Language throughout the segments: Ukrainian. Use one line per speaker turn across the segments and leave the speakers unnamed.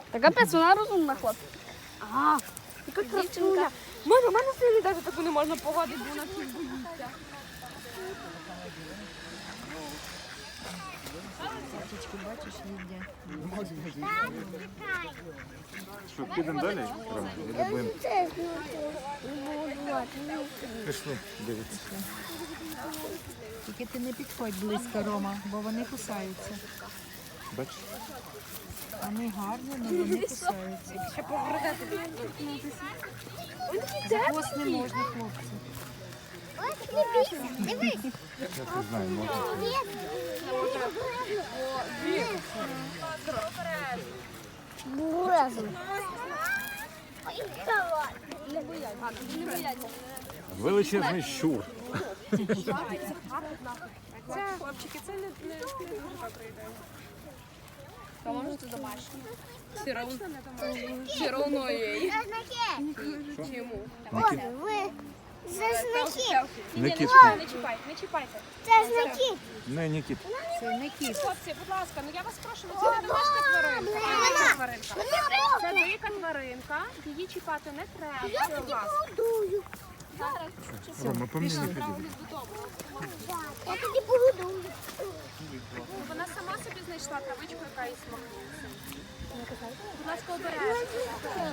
Та капець, вона розумна, хлопці. Ага. Яка красуня. У мене силі навіть таку не можна погладити, бо вона всіх боїться.
Птички, бачиш, їдять.
Що, підемо далі? Рома? Или будемо? Пішли, дивіться.
Тільки ти не підходь близько, Рома, бо вони кусаються.
Бачиш?
Вони гарні, але вони кусаються.
Ще погризати.
За хвост не можна, хлопці.
Я не знаю, може. Величезний щур.
Хлопчики, це не дуже прийде. А може це домашнє? Все равно їй. Чому?
Це знаки.
Никіт.
Не чіпайте.
Це знаки.
Не, Нікіт.
Це не кіт.
Хлопці, будь ласка, ну я вас прошу, це не домашня тваринка. Це тваринка. Це дика тваринка, її чіпати не треба. Це власне.
Годую.
Рома, по мені не ходіть.
Я тоді погодую.
Вона сама собі знайшла травичку, яка їй смакується. Будь ласка, обережно.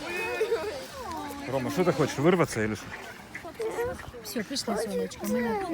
Рома, що ти хочеш, вирватися чи що?
Все, пішли, сонечко. Ми